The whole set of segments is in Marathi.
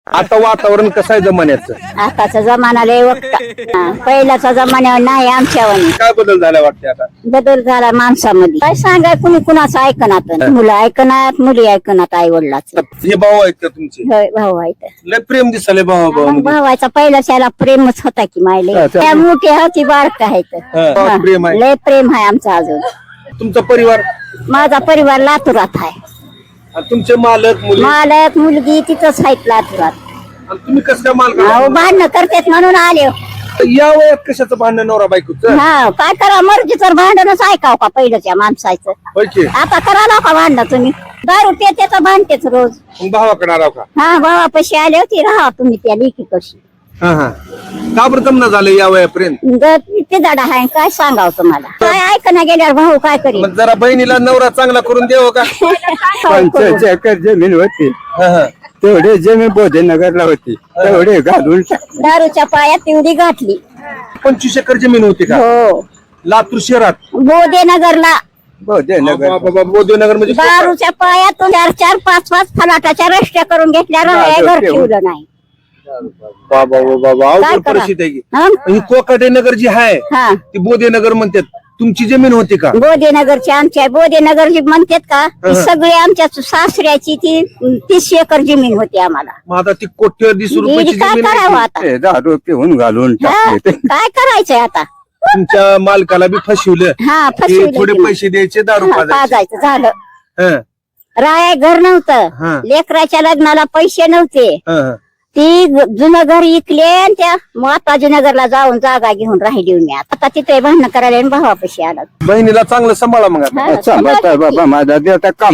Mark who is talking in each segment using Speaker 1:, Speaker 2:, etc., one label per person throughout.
Speaker 1: आता वातावरण कसं आहे जमान्याचं?
Speaker 2: आताचा जमाना लय वक्ता पहिल्याचा जमान्यावर नाही आमच्यावर
Speaker 1: काय बदल झाला वाटते आता?
Speaker 2: बदल झाला माणसामध्ये. काय सांगाय कुणी कुणाचं ऐकनात, मुलं ऐकनात, मुली ऐकनात आई वडिलाच.
Speaker 1: हे भाऊ आहेत का तुमचे?
Speaker 2: भाऊ आहेत.
Speaker 1: लय प्रेम दिसले भाऊ भाऊ
Speaker 2: भावाचा पहिल्याच याला प्रेमच होता की मायले. त्या मोठी होती बारक आहेत.
Speaker 1: प्रेम आहे.
Speaker 2: लय प्रेम आहे आमचं अजून.
Speaker 1: तुमचा परिवार?
Speaker 2: माझा परिवार लातूरात आहे.
Speaker 1: आणि तुमचे मालक मुली?
Speaker 2: मालक मुलगी तिथंच आहेत लातूरात.
Speaker 1: आणि तुम्ही कसं काय मालक?
Speaker 2: अहो भांडणं करतेत म्हणून आले.
Speaker 1: या वयात कशाचं भांडण नवरा बायकोचं?
Speaker 2: हा काय करा मर्जी तर भांडणच ऐकाव का पहिल्याच्या माणसाचं.
Speaker 1: होय की?
Speaker 2: आता करा का भांडण तुम्ही? दारू पेतेच भांडतेच रोज.
Speaker 1: मग भावाकडे आला का?
Speaker 2: हा भावापाशी आले होती राहा तुम्ही त्या लेखी कशी.
Speaker 1: का बरं जमना झालं या वयापर्यंत?
Speaker 2: ते दाडा आहे काय सांगाव तुम्हाला. काय ऐकणं गेल्यावर भाऊ काय करेल.
Speaker 1: मग जरा बहिणीला नवरा चांगला करून देव का?
Speaker 3: 50 एकर जमीन होती, तेवढे जमीन बोधेनगरला होती, तेवढे घालून
Speaker 2: दारूच्या पायात तेवढी गाठली.
Speaker 1: 25 एकर जमीन होती का
Speaker 2: हो
Speaker 1: लातूर शहरात?
Speaker 2: बोधेनगरला.
Speaker 3: बोधेनगर
Speaker 1: बोधनगर म्हणजे
Speaker 2: दारूच्या पायातून 4-4, 5-5 फलाटाच्या रस्त्या करून घेतल्या घर ठेवलं नाही.
Speaker 1: बाबा बाबा
Speaker 2: काय
Speaker 1: अवघड
Speaker 2: करा?
Speaker 1: परिस्थिती आहे की.
Speaker 2: हा?
Speaker 1: ही कोकाटे नगर जी आहे
Speaker 2: हा
Speaker 1: ती बोधेनगर म्हणतात. तुमची जमीन होती का?
Speaker 2: बोधेनगरची आमच्या बोधेनगरची म्हणतात का ती सगळी आमच्या सासऱ्याची ती 30 एकर जमीन होती आम्हाला.
Speaker 1: मग आता ती कोट्यवधी रुपयाची
Speaker 2: काय
Speaker 1: जमीन
Speaker 2: करावं
Speaker 1: आहे.
Speaker 2: आता.
Speaker 3: दारू पिऊन घालून
Speaker 2: हा?
Speaker 3: टाकले.
Speaker 2: काय करायचंय आता.
Speaker 1: तुमच्या मालकाला बी फसवलं.
Speaker 2: हा
Speaker 1: ते
Speaker 2: फसविलं
Speaker 1: थोडे
Speaker 2: की मग.
Speaker 1: पैसे द्यायचे दारू पाजायचे.
Speaker 2: पाजायचं झालं.
Speaker 1: हं,
Speaker 2: राय घर
Speaker 1: हा.
Speaker 2: नव्हतं, लेकराच्या लग्नाला पैसे नव्हते.
Speaker 1: हं.
Speaker 2: ती जुनं घर इकले आणि त्या माताजीनगरला जाऊन जागा घेऊन राहिली मी. आता तिथे भांडणं करायला आणि भावापाशी आला.
Speaker 1: बहिणीला चांगलं सांभाळा मग आता.
Speaker 2: हा,
Speaker 3: सांभाळता बाबा माझा देवता काम.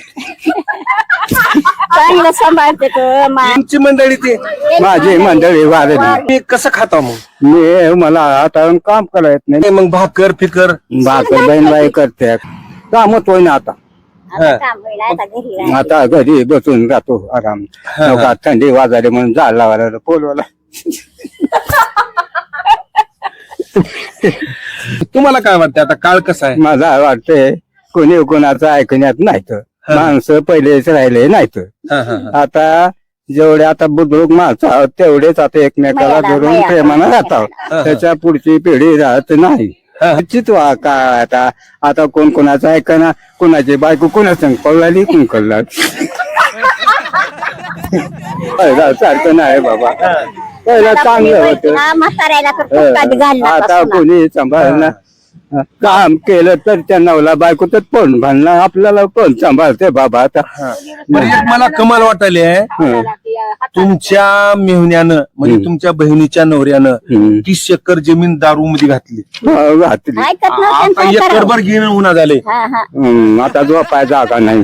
Speaker 2: चांगलं सांभाळते तो
Speaker 1: तुमची मंडळी ती
Speaker 3: माझी मंडळी वारली.
Speaker 1: मी कसं खाता मग?
Speaker 3: मी मला आता काम करायत नाही.
Speaker 1: मग भाकर फिकर?
Speaker 3: भाकर बहीणबाई करते, कामच होईना आता.
Speaker 2: आता काम होईल, आता घरी राहायचं.
Speaker 3: आता घरी बसून राहतो आराम. नका थंडी वाजाली म्हणून झाड लावायला पोलवायला.
Speaker 1: तुम्हाला काय वाटतं आता काळ कसा आहे?
Speaker 3: मला वाटतंय कोणी कोणाचं ऐकण्यात नाहीत. माणसं पहिलेच राहिले नाहीत.
Speaker 1: हं, हं, हं.
Speaker 3: आता जेवढे आता बुद्रुक माणसं आहोत तेवढेच आता एकमेकाला
Speaker 2: मया-
Speaker 3: धरून
Speaker 2: मया-
Speaker 3: प्रेमानं राहतात. त्याच्या पुढची पिढी राहत नाही. चितवा काय आता कोण कोणाचं ऐकना, कोणाची बायको कोणा संग पळाली कोण कळला. पहिला सारखं नाही बाबा, पहिला चांगलं होतं.
Speaker 2: हा, म्हाताऱ्याला तर फुटका बी घालला
Speaker 3: आता
Speaker 2: पासून.
Speaker 3: कोणी सांभाळणार. काम केलं तर त्या नवला बायको तर कोण भांडणार, आपल्याला कोण सांभाळते बाबा आता.
Speaker 1: बरं, एक मला कमाल वाटायली आहे.
Speaker 3: हं.
Speaker 1: तुमच्या मेहण्यानं म्हणजे तुमच्या बहिणीच्या नवऱ्यानं
Speaker 3: हं.
Speaker 1: 30 एकर जमीन दारू मध्ये घातली.
Speaker 3: हो, घातली.
Speaker 2: ऐकत नव्हते आणि
Speaker 1: आता
Speaker 2: काय करावं?
Speaker 1: एकरभर घेणं होणार झाले.
Speaker 2: हा, हा.
Speaker 3: आता झोपाय जागा नाही.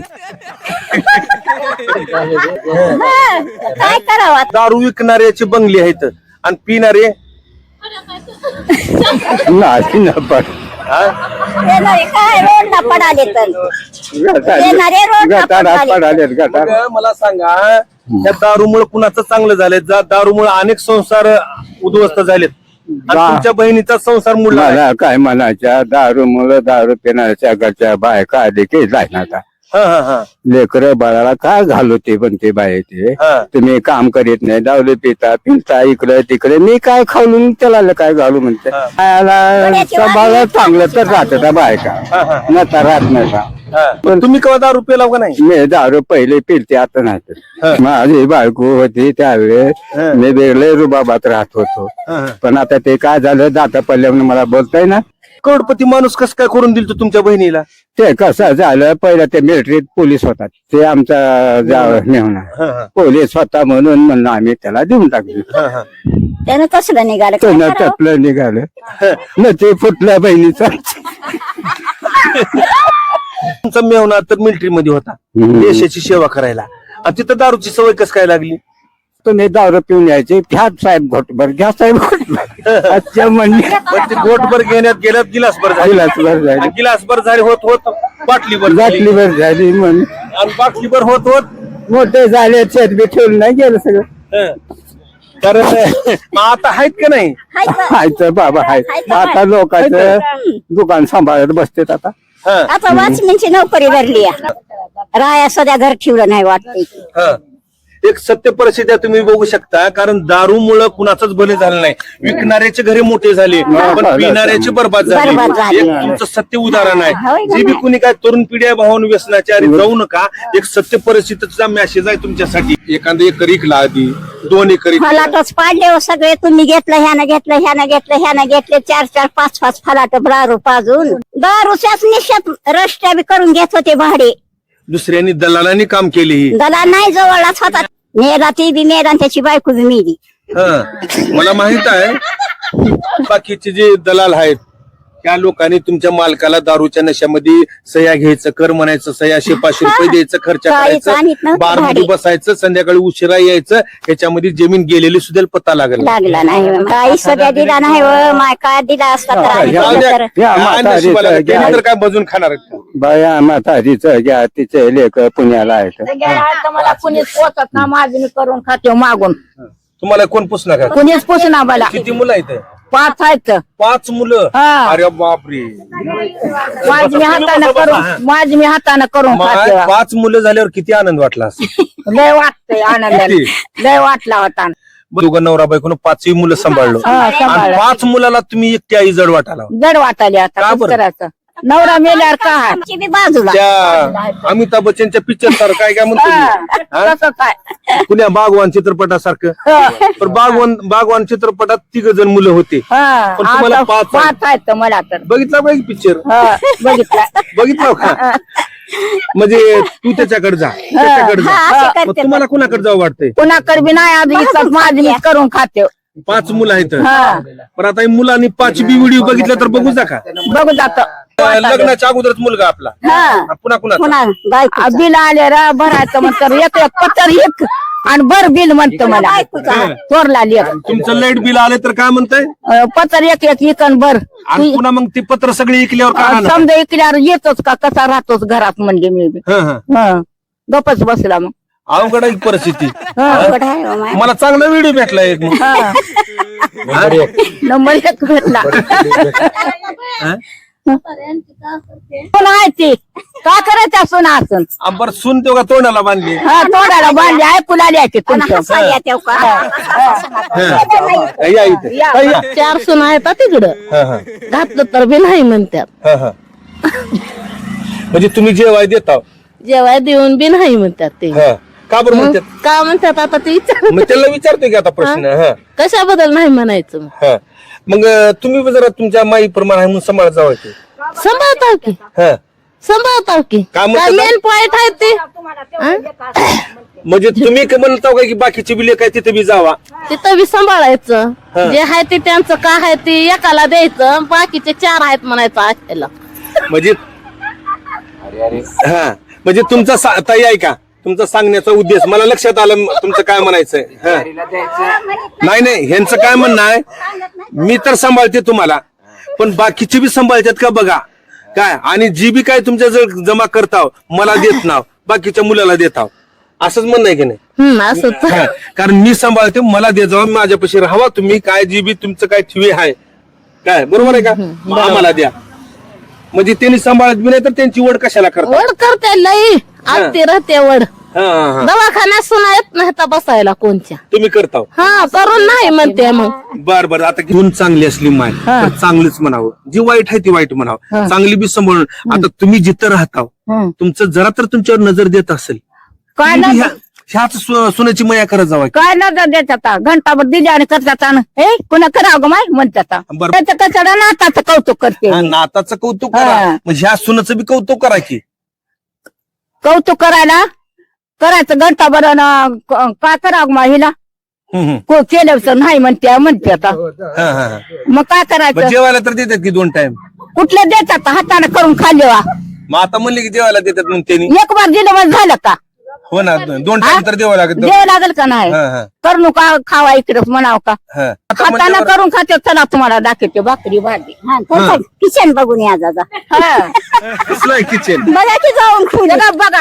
Speaker 2: हा, काय करावं आता?
Speaker 1: दारू विकणाऱ्याचे बंगले आहेत आणि पिणारे
Speaker 3: नाही ना पण
Speaker 2: येणारे काय रोडला पडाले तर येणारे रोडला पडाले.
Speaker 3: पडालेत गटार.
Speaker 1: मग मला सांगा त्या दारूमुळे कुणाचं चांगलं झालंय? दारूमुळे अनेक संसार उद्ध्वस्त झालेत आणि तुमच्या बहिणीचा संसार मुडला.
Speaker 3: मला काय म्हणायच्या दारू मुलं दारू पिण्याच्या घरच्या बायका देखील जायना आता. लेकर बाळाला काय घालू ते पण ते बाय ते तुम्ही काम करीत नाही, दावले पिता इकडे तिकडे, मी काय खाऊन त्याला काय घालू म्हणते. बायाला सांभाळ चांगलं तर राहत बायका नता राहत नाही.
Speaker 1: पण तुम्ही केव्हा दारू पिला का नाही?
Speaker 3: मी दारू पहिले पिलते आता नाही. माझी बायको होती त्यावेळेस मी वेगळे रुबाबात राहत होतो. पण आता ते काय झालं दाता पडल्यामुळे मला बोलताय ना.
Speaker 1: करोडपती माणूस कसं काय करून दिल तुमच्या बहिणीला?
Speaker 3: ते कसं झालं, पहिलं ते मिलिटरीत पोलीस होतात, ते आमचा मेहना पोलीस होता म्हणून म्हणून आम्ही त्याला देऊन टाकले.
Speaker 2: त्यानं कसलं निघालं काय
Speaker 3: त्यानं
Speaker 2: करावं?
Speaker 3: तपलं निघालं न ते फुटल्या बहिणीचा.
Speaker 1: तुमचा मेवना तर मिलिटरी मध्ये होता देशाची सेवा करायला आणि तिथं दारूची सवय कसं काय लागली?
Speaker 3: तुम्ही दारू पिऊन यायचे, घ्या साहेब घोटभर, घ्या साहेब घोटभर अच्छा म्हणणे.
Speaker 1: पण ते गोटभर घेण्यात गेल्यात गिलासभर झाली.
Speaker 3: गिलासभर झाली.
Speaker 1: आणि गिलासभर झाली होत होत बाटलीभर झाली.
Speaker 3: बाटलीभर झाली म्हण.
Speaker 1: आणि बाटलीभर होत होत
Speaker 3: मोठे झाले शेत बी ठेवून नाही गेलं सगळं.
Speaker 1: कारण मग आता आहेत का नाही?
Speaker 2: हाय का?
Speaker 3: हायचं बाबा हाय. आता लोकांचं दुकान सांभाळत बसतेत आता.
Speaker 2: आता वॉचमॅनची नोकरी धरली आहे. राया सध्या घर ठेवलं नाही वाटतंय.
Speaker 1: एक सत्य परिस्थिती आहे, तुम्ही बघू शकता. कारण दारूमुळं कुणाचंच भले झालं नाही. विकणाऱ्याचे घरे मोठे झाले, पण पिणाऱ्याचे बर्बाद झाले. एक तुमचं सत्य उदाहरण आहे. जे बी कुणी काय तरुण पिढ्या भावून व्यसनाच्या आधी जाऊ नका. एक सत्य परिस्थितीचा मेसेज आहे तुमच्यासाठी. एखादं एकर इकला आधी 2 एकर
Speaker 2: फलाटच पाडले हो सगळे. तुम्ही घेतलं, ह्यानं घेतलं, ह्यानं घेतलं, ह्यानं घेतले 4-4, 5-5 फलाट दारू पाजून. दारूच्याच निश्चित रस्त्या बी करून घेत होते भाडे.
Speaker 1: दुसऱ्यांनी दलालांनी काम केली ही.
Speaker 2: दलाल नाही जवळच होता. मेला ती बी मेला, त्याची बायको बी मेली.
Speaker 1: मला माहित आहे बाकीचे जे दलाल आहेत त्या लोकांनी तुमच्या मालकाला दारूच्या नशामध्ये सह्या घ्यायचं, कर म्हणायचं, सह्या 500 रुपये द्यायचं, खर्च करायचं, बारमध्ये बसायचं, संध्याकाळी उशिरा यायचं. ह्याच्यामध्ये जमीन गेलेली सुद्धा पत्ता लागला
Speaker 2: नाही. काही सगळ्या दिला नाही. माय काय दिला असता
Speaker 1: तर काय बजून खाणार
Speaker 3: बाया म्हातारीचं घ्या, तिचे लेख पुण्याला आहेत.
Speaker 4: मला कुणीच पोचत ना, माझी मी करून खाते मागून.
Speaker 1: तुम्हाला कोण पुसणार?
Speaker 4: कुणीच पोचना मला.
Speaker 1: किती मुलं आहेत?
Speaker 4: 5 आहेत.
Speaker 1: 5 मुलं.
Speaker 4: हा.
Speaker 1: अरे बापरे.
Speaker 4: माझी मी हाताने करून खाते.
Speaker 1: 5 मुलं झाल्यावर किती आनंद वाटला असेल?
Speaker 4: लय वाटतंय आनंद, लय वाटला होता.
Speaker 1: दोघं नवरा बायकोनं 5ही मुलं सांभाळलो. आणि 5 मुलाला तुम्ही एकटी आई जड वाटाला.
Speaker 4: जड वाटायला आता
Speaker 1: का
Speaker 4: कसं
Speaker 1: बरं?
Speaker 4: करायचं. नवरा मेल्यावर काय
Speaker 2: आमची बी बाजूला.
Speaker 1: त्या अमिताभ बच्चनच्या पिक्चर सारखं काय म्हणतो मी?
Speaker 4: कसं काय.
Speaker 1: पुण्या बागवान चित्रपटासारखं. पण बागवान चित्रपटात 3 जण मुलं होते. पण तुम्हाला 5
Speaker 4: आहेत मला तर.
Speaker 1: बघितला पाहिजे पिक्चर? बघितला का? म्हणजे तू त्याच्याकडे जा, त्याच्याकडे जा. मग तुम्हाला कुणाकडे जावं वाटतंय?
Speaker 4: कुणाकडे बी नाही. आधी माझी मी करून खाते.
Speaker 1: 5 मुलं आहेत. पण आता ही मुलांनी 5 बी व्हिडिओ बघितला तर बघू जा का?
Speaker 4: बघू जात.
Speaker 1: लग्नाच्या अगोदरच मुलगा आपला पुन्हा कुणा
Speaker 4: बिल आले रा भरायचं म्हणतं. एक पत्तर एक आणि भर बिल म्हणतं मला. चोरला लेख.
Speaker 1: तुमचं लाईट बिल आले तर काय म्हणताय?
Speaker 4: पत्तर एक इकन भर.
Speaker 1: आणि पुन्हा मग ते पत्र सगळे इकल्यावर काय?
Speaker 4: समजा इकल्यावर येतोच का, कसा राहतोच घरात म्हणजे मी बी. गपच बसला मग.
Speaker 1: अवघड आहे परिस्थिती.
Speaker 2: अवघड आहे हो माय.
Speaker 1: मला चांगला व्हिडिओ भेटला एक.
Speaker 4: नंबर 1 भेटला. कोण आहे ती? का करायचं सुना असून?
Speaker 1: बरं सून तेव्हा तोंडाला बांधली.
Speaker 4: तोंडाला बांधली आहे. कुलाली आहे तुमचं.
Speaker 2: हसायला येते का?
Speaker 1: या इथे. या.
Speaker 4: 4 सुना आहेत तिकडं. घातलं तर बी नाही म्हणतात.
Speaker 1: म्हणजे तुम्ही जेवाय देता?
Speaker 4: जेवाय देऊन बी नाही म्हणतात ते.
Speaker 1: का बरं म्हणतात?
Speaker 4: का म्हणतात आता ते
Speaker 1: मग त्याला विचारतोय की आता प्रश्न.
Speaker 4: कशाबद्दल नाही म्हणायचं.
Speaker 1: मग तुम्ही जरा तुमच्या माई प्रमाण आहे म्हणून सांभाळत जावं की.
Speaker 4: सांभाळताव की. सांभाळताव की.
Speaker 1: काय म्हणतात?
Speaker 4: मेन पॉइंट आहे ते.
Speaker 1: म्हणजे तुम्ही म्हणता का की बाकीचे बिले काय तिथे बी जावा?
Speaker 4: तिथं बी सांभाळायचं. जे आहे ते त्यांचं काय आहे ते एकाला द्यायचं. बाकीचे 4 आहेत म्हणायचं आखेला.
Speaker 1: म्हणजे म्हणजे तुमचा ताई आहे का तुमचा सांगण्याचा उद्देश मला लक्षात आलं तुमचं काय म्हणायचंय. नाही ह्यांचं काय म्हणणं आहे, मी तर सांभाळते तुम्हाला पण बाकीचे बी सांभाळतात का बघा काय. आणि जी बी काय तुमच्या जर जमा करताव मला देत नाव, बाकीच्या मुलाला देताव, असंच म्हणणं आहे की नाही? कारण मी सांभाळते मला दे जावा, माझ्यापाशी राहावा तुम्ही. काय जी बी तुमचं काय ठेवी आहे काय, बरोबर आहे का, आम्हाला द्या. म्हणजे त्यांनी सांभाळत बी नाही तर त्यांची वड कशाला करतात?
Speaker 4: वड करते लई आते राहते वड. दवाखान्यात सुना येत नाही तर बसायला कोणच्या.
Speaker 1: तुम्ही करता?
Speaker 4: करून नाही म्हणते मग.
Speaker 1: बर आता गुण चांगली असली माय तर चांगलीच म्हणावं, जी वाईट आहे ती वाईट म्हणावं, चांगली बी सांभाळून. आता तुम्ही जिथं राहताव तुमचं जरा तर तुमच्यावर नजर देत असेल,
Speaker 4: काय
Speaker 1: ह्याच सोन्याची मया करत जावा.
Speaker 4: काय नजर देतात घंटाभर दिली आणि करतात. हे कुणा करावं ग माय म्हणतात. त्याचं कचडा नाताचं कौतुक करते.
Speaker 1: नाताचं कौतुक करा, म्हणजे ह्या सोन्याचं बी कौतुक करा की.
Speaker 4: कौतुक करायचं घंटाभर काय करावं मा हिला केलं नाही म्हणते आता. मग काय करायचं?
Speaker 1: जेवायला तर देतात की 2 टाइम?
Speaker 4: कुठले देतात हाताने करून खाल्ले.
Speaker 1: मग आता म्हणले की जेवायला देतात मग त्यांनी.
Speaker 4: एक बार दिलं मग झालं का?
Speaker 1: हो ना, 2 टाइम तर द्यावं लागत.
Speaker 4: द्यावं लागेल का नाही? करू का खावा इकडेच म्हणाव का? हाताने करून खाते. चला तुम्हाला दाखवते भाकरी भाजी.
Speaker 2: किचन बघून या दादा.
Speaker 1: कसलं किचन
Speaker 2: बघा की जाऊन
Speaker 4: बघा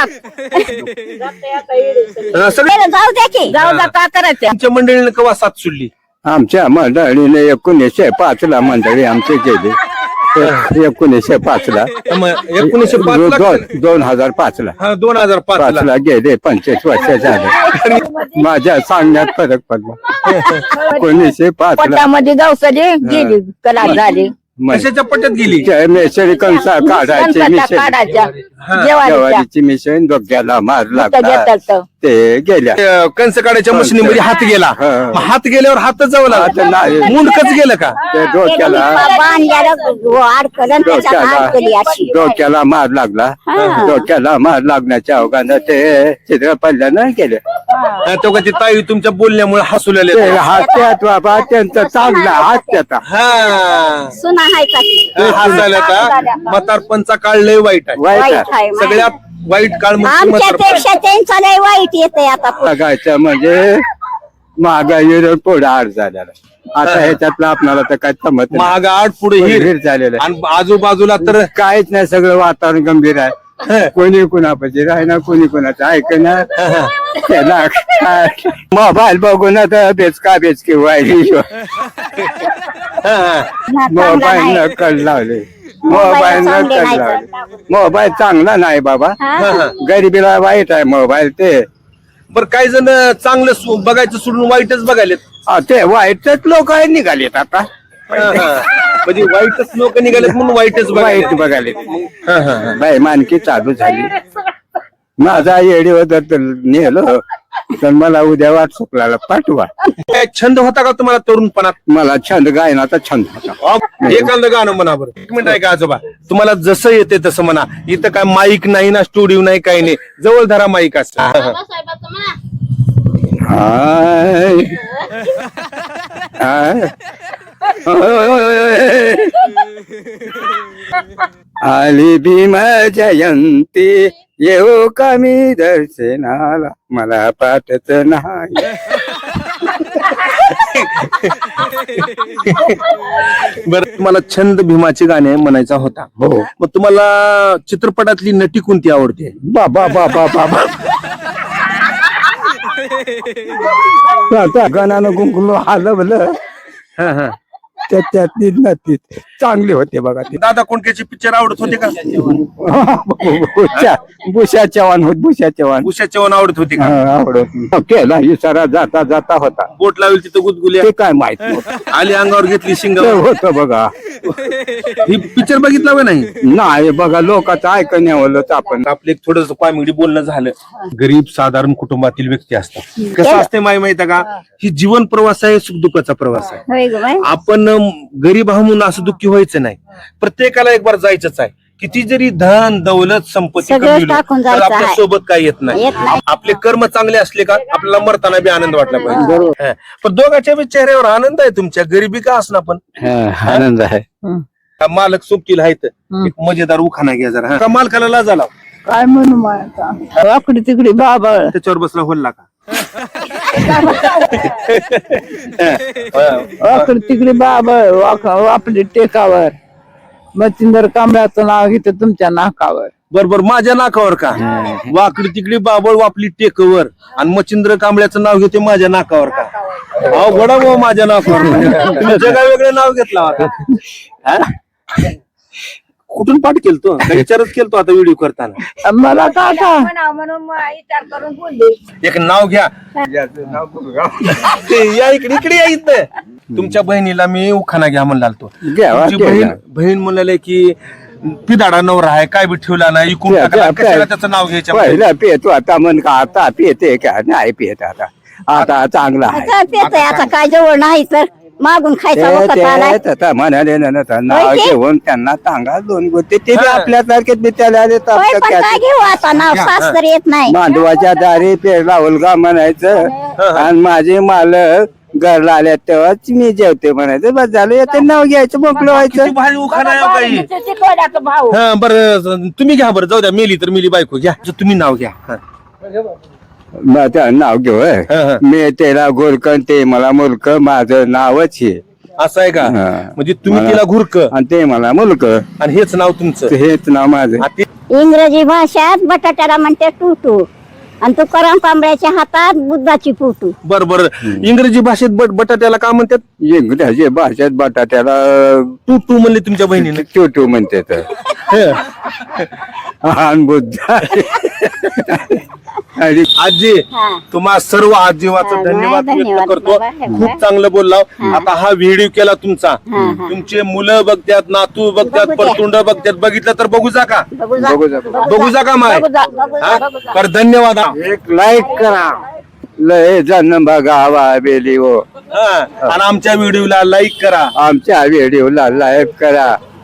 Speaker 2: जाऊ द्या की.
Speaker 4: जाऊ द्या. काय करायचं?
Speaker 1: तुमच्या मंडळीने केव्हा साथ सुटली?
Speaker 3: आमच्या मंडळीने 1905 ला मंडळी आमची केली. 1905 ला
Speaker 1: मग 1905 ला
Speaker 3: 2005 ला
Speaker 1: 2005 ला
Speaker 3: 5 ला गेले 25 वर्ष झाले माझ्या सांगण्यात फरक पडला 1905 ला
Speaker 4: पोटामध्ये गवसले गेली कला झाली
Speaker 1: कशाच्या पट्ट्यात गेली
Speaker 3: मेसरी कंसा काढायची
Speaker 4: कणसाच्या
Speaker 3: मिशन
Speaker 4: काढायच्या जेवारीच्या
Speaker 3: ज्वारीची मिशन डोक्याला मार
Speaker 4: मुठ्या
Speaker 3: लागला
Speaker 4: घेतात.
Speaker 3: ते गेल्या
Speaker 1: कंस काढायच्या मशिनीमध्ये हात गेला
Speaker 3: हा.
Speaker 1: मग हात गेल्यावर हातच जाऊ
Speaker 3: आता नाही.
Speaker 1: लागला मुंडकच गेलं का
Speaker 3: ते डोक्याला
Speaker 2: अडकलं त्याच्यात अडकली अशी
Speaker 3: डोक्याला मार लागला डोक्याला मार लागण्याच्या अवघानं ते चित्र पडल्यानं गेले
Speaker 1: तो का ती ताई तुमच्या बोलण्यामुळे हसू
Speaker 3: ते
Speaker 1: लागले
Speaker 3: हात्यात बाबा त्यांचा चांगला हात्याचा
Speaker 1: हा
Speaker 2: सुना हाय का ती?
Speaker 1: हसायला का म्हातारपणचा काळ लय वाईट आहे
Speaker 3: वाईट
Speaker 2: वाईट आहे
Speaker 1: सगळ्यात वाईट काळ म्हणजे म्हातारपण.
Speaker 2: आमच्यापेक्षा त्यांचा लय वाईट येते आता
Speaker 3: बघायचं म्हणजे महागाईवर पुढे आड झालेला आता ह्याच्यातलं आपल्याला तर काय समजत नाही.
Speaker 1: महाग आठ पुढे हिर
Speaker 3: हिर झालेलं आहे.
Speaker 1: आणि आजूबाजूला तर
Speaker 3: काहीच नाही सगळं वातावरण गंभीर आहे कोणी कुणापाशी राहणार कोणी कुणाचं ऐकणार त्याला काय मोबाईल बघून आता बेचका बेचकी व्हायली मोबाईल न कळ लावले मोबाईल न
Speaker 2: चांगले
Speaker 3: कळ
Speaker 2: नाही
Speaker 3: लावले मोबाईल चांगला नाही बाबा गरिबीला वाईट आहे मोबाईल ते
Speaker 1: बरं काही जण चांगलं बघायचं सोडून वाईटच बघायलेत
Speaker 3: ते वाईटच लोक निघालेत आता
Speaker 1: म्हणजे वाईटच लोक निघालेत म्हणून वाईटच
Speaker 3: वाईट
Speaker 1: बघायले
Speaker 3: बघाले बाई मानकी चालू झाली माझा येडीवर तर नेलं तर मला उद्या व्हॉट्सअपला पाठवा
Speaker 1: छंद होता का तुम्हाला तरुणपणात
Speaker 3: मला छंद गायनाचा छंद होता
Speaker 1: एखादं गाणं म्हणा बरं एक मिनिट आहे का आजोबा तुम्हाला जसं येते तसं म्हणा इथं काय माईक नाही ना स्टुडिओ नाही काही नाही जवळ धरा माईक असत
Speaker 3: हाय हाय आली भीम जयंती येऊ कमी दर्शनाला मला पाठच नाही
Speaker 1: बरं तुम्हाला छंद भीमाचे गाणे म्हणायचा होता
Speaker 3: हो
Speaker 1: मग तुम्हाला चित्रपटातली नटी कोणती आवडते
Speaker 3: बाबा बाबा बाबा आता गणानं गुंगलो हलवलं त्यातली नती चांगली होते बघा ते
Speaker 1: दादा कोणत्याचे पिक्चर आवडत होते का
Speaker 3: भूषा चव्हाण होत भूषा चव्हाण
Speaker 1: उषा चव्हाण आवडत होते का
Speaker 3: आवडत केला इशारा जाता जाता होता
Speaker 1: बोट लावेल तिथं गुदगुल्या
Speaker 3: ते काय माहित नव्हतं.
Speaker 1: आली अंगावर घेतली शिंग
Speaker 3: ते होतं बघा
Speaker 1: ही पिक्चर बघितला का नाही
Speaker 3: नाही बघा लोकांचं ऐकण्यावरच आपण
Speaker 1: आपलं एक थोडस कॉमेडी बोलणं झालं गरीब साधारण कुटुंबातील व्यक्ती असतात कसं असते माहिती आहे का ही जीवन प्रवास आहे सुखदुःखाचा प्रवास आहे
Speaker 2: होय ग बाई.
Speaker 1: आपण गरीब आहो म्हणून असं दुःखी व्हायचं नाही प्रत्येकाला एक बार जायचंच आहे किती जरी धन दौलत संपत्ती
Speaker 2: सगळं
Speaker 1: कमविलं
Speaker 2: टाकून
Speaker 1: तर
Speaker 2: जायचं
Speaker 1: आपल्या
Speaker 2: आहे.
Speaker 1: सोबत काय येत नाही
Speaker 2: येत नाही.
Speaker 1: आपले कर्म चांगले असले का आपल्याला मरताना बी आनंद वाटला पाहिजे हा. पण दोघांच्या बी चेहऱ्यावर आनंद आहे तुमच्या गरिबी का असणार पण
Speaker 3: आनंद आहे
Speaker 1: हा मालक सोबतील आहेत एक मजेदार उखाणा घ्या जरा हा. का मालकाला लाज आला
Speaker 4: काय म्हणू माझा वाकडी तिकडी बाबा
Speaker 1: त्याच्यावर बसला होल्ला का
Speaker 4: वाकडी तिकडी बाबा आपली टेकावर मच्छिंदर कांबळ्याचं नाव घेते तुमच्या नाकावर
Speaker 1: बरोबर माझ्या नाकावर का वाकडी तिकडी बाबळ वापली टेकवर आणि मच्छिंद्र कांबळ्याचं नाव घेते माझ्या नाकावर का अहो घडा भाऊ माझ्या नाकावर तुम्ही जगा वेगळं नाव घेतला होता हा? कुठून पाठ केलतो विचारच केलतो आता व्हिडिओ करताना
Speaker 4: मला काका
Speaker 1: एक नाव घ्या या इकडे इकडे या इथं तुमच्या बहिणीला मी उखाणा घ्या म्हणला तो
Speaker 3: घ्यावा,
Speaker 1: तुमची बहीण म्हणाले की पिदाडा नवरा आहे काय बी ठेवला नाही इकून टाकला, कशाला त्याचं नाव घ्यायचं
Speaker 3: पहिला पितो आता मन का आता पिते का नाही पित आता आता चांगला आहे
Speaker 2: आता पेतय आता काय जवळ नाही तर मागून खायचा वखत आलाय
Speaker 3: ते म्हणाले ना नाव
Speaker 2: होय की?
Speaker 3: घेऊन त्यांना सांगा दोन गोष्टी ते बी आपल्यासारखेच बिचारे आले तर
Speaker 2: होय,
Speaker 3: आपलं
Speaker 2: पण
Speaker 3: काय
Speaker 2: काय घेऊ आता नाव सास तर येत नाही
Speaker 3: मांडवाच्या दारी पेरला उलगा म्हणायचं आणि माझे मालक घरला आल्या तेव्हाच मी जेवते म्हणायचं बस झालं येते नाव घ्यायचं मोकळं व्हायचं
Speaker 1: किती भारी उखाणा आहे हो काही
Speaker 4: चिकोड्याचा भाऊ
Speaker 1: हा बरं तुम्ही घ्या बरं जाऊ द्या मेली तर मेली बायको घ्या तुम्ही नाव घ्या हा.
Speaker 3: मग त्या नाव घेऊ होय.
Speaker 1: हा.
Speaker 3: मी त्याला गोरकन ते मला मुलक माझं नावच हे
Speaker 1: असं आहे का
Speaker 3: हा.
Speaker 1: म्हणजे तुम्ही
Speaker 3: मला-
Speaker 1: तिला घुरक
Speaker 3: आणि ते मला मुलक
Speaker 1: आणि हेच नाव तुमचं
Speaker 3: हेच नाव माझं
Speaker 1: आ, ते-
Speaker 2: इंग्रजी भाषेत बटाट्याला म्हणते टूटू आणि तुकाराम कांबळ्याच्या हातात बुद्धाची फोटो.
Speaker 1: बर इंग्रजी भाषेत बटाट्याला काय म्हणतात?
Speaker 3: इंग्रजी भाषेत बटाट्याला
Speaker 1: टू म्हणले तुमच्या बहिणीने.
Speaker 3: टू म्हणते तर बुद्ध आणि
Speaker 1: आजी
Speaker 2: हा.
Speaker 1: तुम्हा सर्व आजीवाचा
Speaker 2: हा,
Speaker 1: धन्यवाद व्यक्त
Speaker 2: धन्यवाद
Speaker 1: करतो.
Speaker 2: बाबा.
Speaker 1: खूप चांगलं बोलला. आता हा व्हिडिओ केला तुमचा, तुमचे मुलं बघतात, नातू बघतात,
Speaker 2: बघू द्या.
Speaker 1: परतुंड बघतात, बघितलं तर बघू जा का?
Speaker 2: बघू जा.
Speaker 3: बघू जा.
Speaker 1: बघू जा का माय?
Speaker 2: बघू जा, बघू जा,
Speaker 1: हा?
Speaker 2: बघू जा.
Speaker 1: तर धन्यवाद हा.
Speaker 3: एक लाईक करा. लय जण बघावा बेली हो.
Speaker 1: हा. आणि आमच्या व्हिडिओला लाईक करा.
Speaker 3: आमच्या व्हिडिओला लाईक करा.